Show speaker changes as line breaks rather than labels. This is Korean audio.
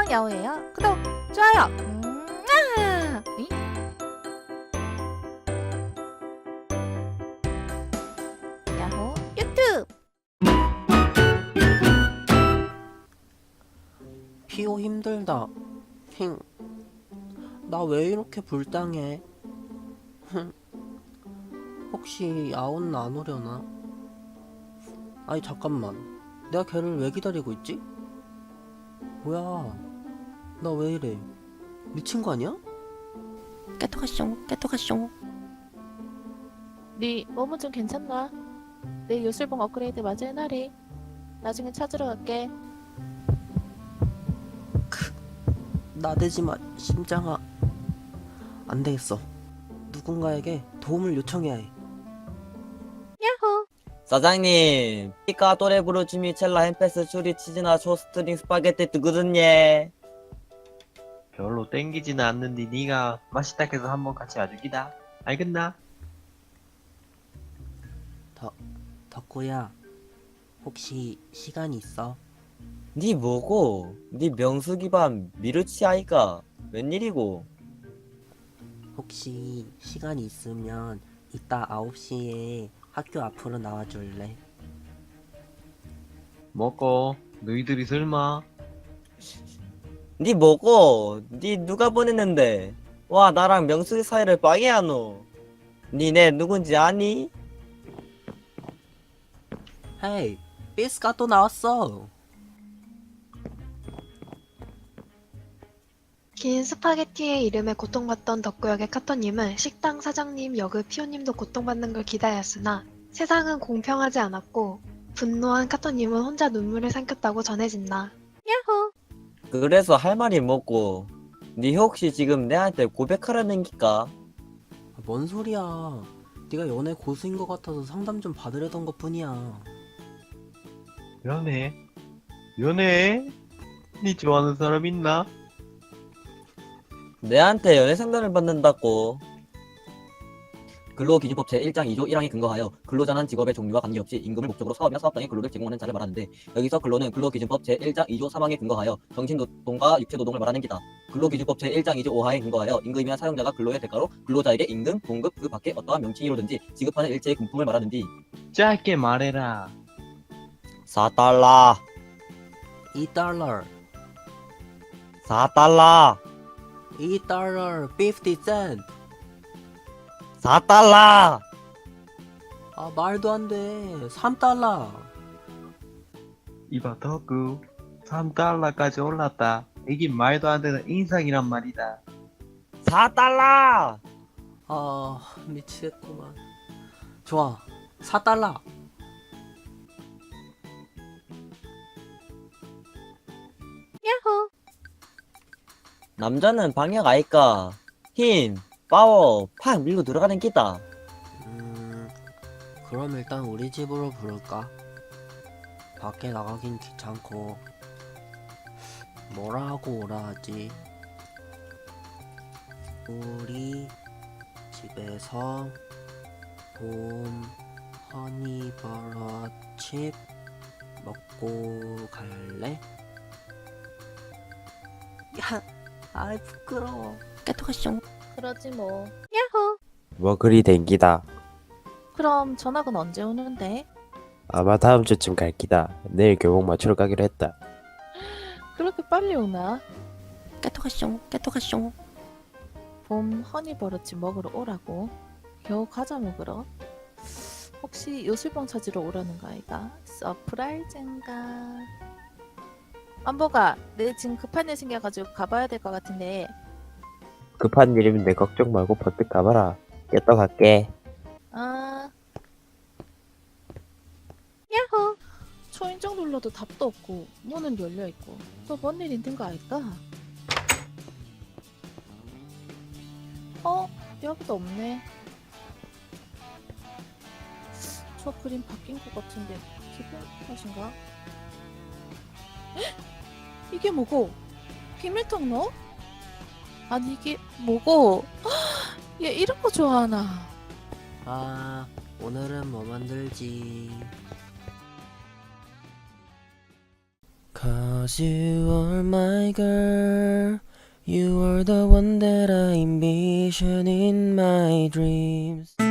야호예요. 구독, 좋아요. 이? 야호 유튜브.
피오 힘들다. 힝. 나 왜 이렇게 불쌍해? 흥. 혹시 아온 안 오려나? 아니 잠깐만. 내가 걔를 왜 기다리고 있지? 뭐야? 나 왜 이래? 미친 거 아니야?
깨토가숑. 네 몸은 좀 괜찮나? 내 요술봉 업그레이드 맞을 날이. 나중에 찾으러 갈게.
나대지 마, 심장아. 안 되겠어. 누군가에게 도움을 요청해야 해.
야호.
사장님, 피카 또레브루 주미첼라 햄페스 추리 치즈나 쇼스트링 스파게티 뜨거든요.
별로 땡기지는 않는데 네가 맛있다 해서 한번 같이 와주기다. 알겠나?
덕구야, 혹시 시간 있어?
니 뭐고? 니 명수기반 미르치 아이가 웬일이고?
혹시 시간 있으면 이따 9시에 학교 앞으로 나와줄래?
먹고 너희들이 설마
니 뭐고? 니 누가 보냈는데? 와, 나랑 명수기 사이를 빠개하노? 니네 누군지 아니?
헤이, 삐스가 또 나왔어.
긴 스파게티의 이름에 고통받던 덕구역의 카토님은 식당 사장님 역의 피오님도 고통받는 걸 기다렸으나 세상은 공평하지 않았고 분노한 카토님은 혼자 눈물을 삼켰다고 전해진다.
야호.
그래서 할 말이 뭐고? 니 혹시 지금 내한테 고백하려는 기까?
뭔 소리야. 네가 연애 고수인 것 같아서 상담 좀 받으려던 것 뿐이야.
연애? 연애? 네 좋아하는 사람 있나?
내한테 연애 상담을 받는다고. 근로기준법 제1장 2조 1항에 근거하여 근로자는 직업의 종류와 관계없이 임금을 목적으로 사업이나 사업 등의 근로를 제공하는 자를 말하는데, 여기서 근로는 근로기준법 제1장 2조 3항에 근거하여 정신노동과 육체노동을 말하는 기다. 근로기준법 제1장 2조 5항에 근거하여 임금이나 사용자가 근로의 대가로 근로자에게 임금, 봉급, 그 밖에 어떠한 명칭이로든지 지급하는 일체의 금품을 말하는디.
짧게 말해라.
4달러
2달러,
4달러
2달러, 50센트.
4달러
아, 말도 안 돼. 3달러.
이봐 덕구 3달러까지 올랐다. 이게 말도 안 되는 인상이란 말이다.
4달러
아, 미치겠구만. 좋아, 4달러.
야호.
남자는 방역 아이까. 힘, 파워, 팍 밀고 들어가는 기다.
그럼 일단 우리 집으로 부를까? 밖에 나가긴 귀찮고. 뭐라 하고 오라 하지? 우리 집에서 봄 허니버섯칩 먹고 갈래? 야, 아이 부끄러워.
깨토가숑. 그러지 뭐. 야호.
뭐 그리 댕기다.
그럼 전학은 언제 오는데?
아마 다음 주쯤 갈 기다. 내일 교복 맞추러 가기로 했다.
그렇게 빨리 오나? 깨토가숑. 봄 허니버릇치 먹으러 오라고? 겨우 과자 먹으러? 혹시 요술봉 찾으러 오라는 거 아이가? 서프라이즈인가? 안보가, 내 지금 급한 일 생겨가지고 가봐야 될 것 같은데.
급한 일이면 내 걱정 말고 버뜩 가봐라. 깨떠 갈게.
아, 야호. 초인종 눌러도 답도 없고 문은 열려있고 또 뭔 일 있는 거 알까? 여기도 없네. 저 그림 바뀐 것 같은데 기분 탓인가? 이게 뭐고? 비밀통 넣어? 아니 이게 뭐고? 얘 이런 거 좋아하나?
아, 오늘은 뭐 만들지?
'Cause you are my girl. You are the one that I envision in my dreams.